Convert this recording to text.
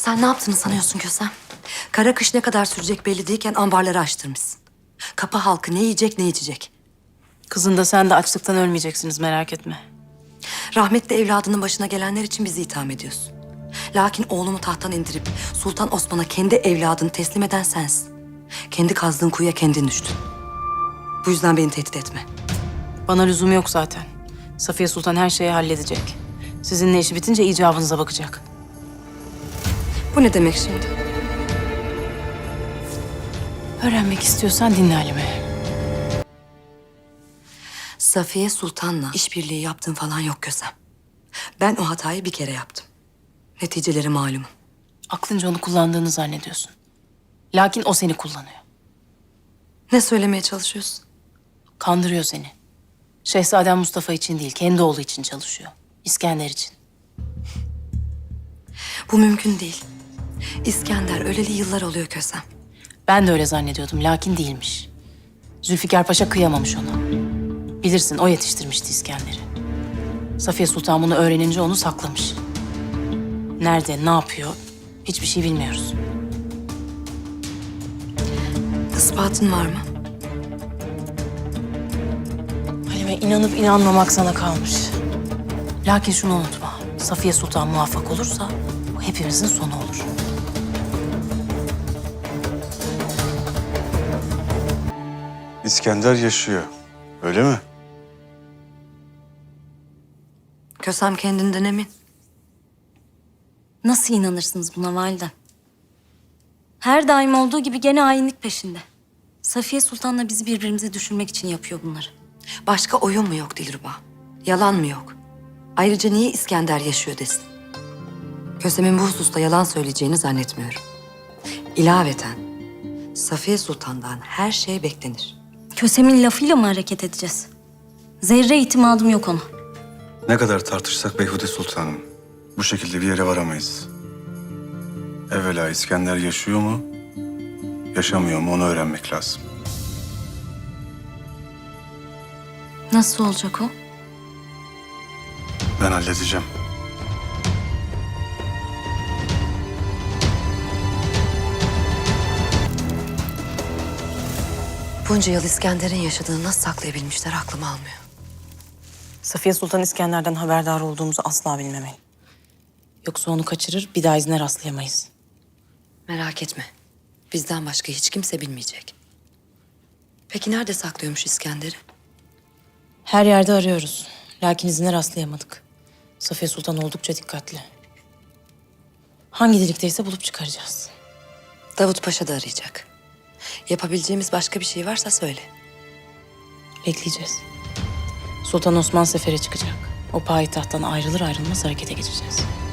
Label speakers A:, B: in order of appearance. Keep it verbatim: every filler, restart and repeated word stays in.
A: Sen ne yaptığını sanıyorsun Kösem? Kara kış ne kadar sürecek belli değilken ambarları açtırmışsın. Kapı halkı ne yiyecek ne içecek.
B: Kızın da sen de açlıktan ölmeyeceksiniz, merak etme.
A: Rahmetli evladının başına gelenler için bizi itham ediyorsun. Lakin oğlumu tahttan indirip Sultan Osman'a kendi evladını teslim eden sensin. Kendi kazdığın kuyuya kendin düştün. Bu yüzden beni tehdit etme.
B: Bana lüzum yok zaten. Safiye Sultan her şeyi halledecek. Sizinle işi bitince icabınıza bakacak.
A: Bu ne demek şimdi?
B: Öğrenmek istiyorsan dinle Halime.
A: Safiye Sultan'la işbirliği yaptığın falan yok Kösem. Ben o hatayı bir kere yaptım. Neticeleri malum.
B: Aklınca onu kullandığını zannediyorsun. Lakin o seni kullanıyor.
A: Ne söylemeye çalışıyorsun?
B: Kandırıyor seni. Şehzadem Mustafa için değil, kendi oğlu için çalışıyor. İskender için.
A: Bu mümkün değil. İskender öleli yıllar oluyor Kösem.
B: Ben de öyle zannediyordum, lakin değilmiş. Zülfikar Paşa kıyamamış ona. Bilirsin, o yetiştirmişti İskender'i. Safiye Sultan bunu öğrenince onu saklamış. Nerede, ne yapıyor, hiçbir şey bilmiyoruz.
A: İspatın var mı?
B: Halime, inanıp inanmamak sana kalmış. Lakin şunu unutma, Safiye Sultan muvaffak olursa bu hepimizin sonu olur.
C: İskender yaşıyor. Öyle mi?
A: Kösem kendinden emin.
D: Nasıl inanırsınız buna validem? Her daim olduğu gibi gene hainlik peşinde. Safiye Sultan'la bizi birbirimize düşürmek için yapıyor bunları.
A: Başka oyun mu yok Dilruba? Yalan mı yok? Ayrıca niye İskender yaşıyor desin? Kösem'in bu hususta yalan söyleyeceğini zannetmiyorum. İlaveten Safiye Sultan'dan her şey beklenir.
D: Kösem'in lafıyla mı hareket edeceğiz? Zerre itimadım yok ona.
C: Ne kadar tartışsak Beyhude Sultanım. Bu şekilde bir yere varamayız. Evvela İskender yaşıyor mu, yaşamıyor mu onu öğrenmek lazım.
D: Nasıl olacak o?
C: Ben halledeceğim.
A: Bunca yıl İskender'in yaşadığını nasıl saklayabilmişler aklım almıyor.
B: Safiye Sultan İskender'den haberdar olduğumuzu asla bilmemeli. Yoksa onu kaçırır, bir daha izine rastlayamayız.
A: Merak etme. Bizden başka hiç kimse bilmeyecek. Peki nerede saklıyormuş İskender'i?
B: Her yerde arıyoruz. Lakin izine rastlayamadık. Safiye Sultan oldukça dikkatli. Hangi delikteyse bulup çıkaracağız.
A: Davut Paşa da arayacak. Yapabileceğimiz başka bir şey varsa söyle.
B: Bekleyeceğiz. Sultan Osman sefere çıkacak. O payitahttan ayrılır ayrılmaz harekete geçeceğiz.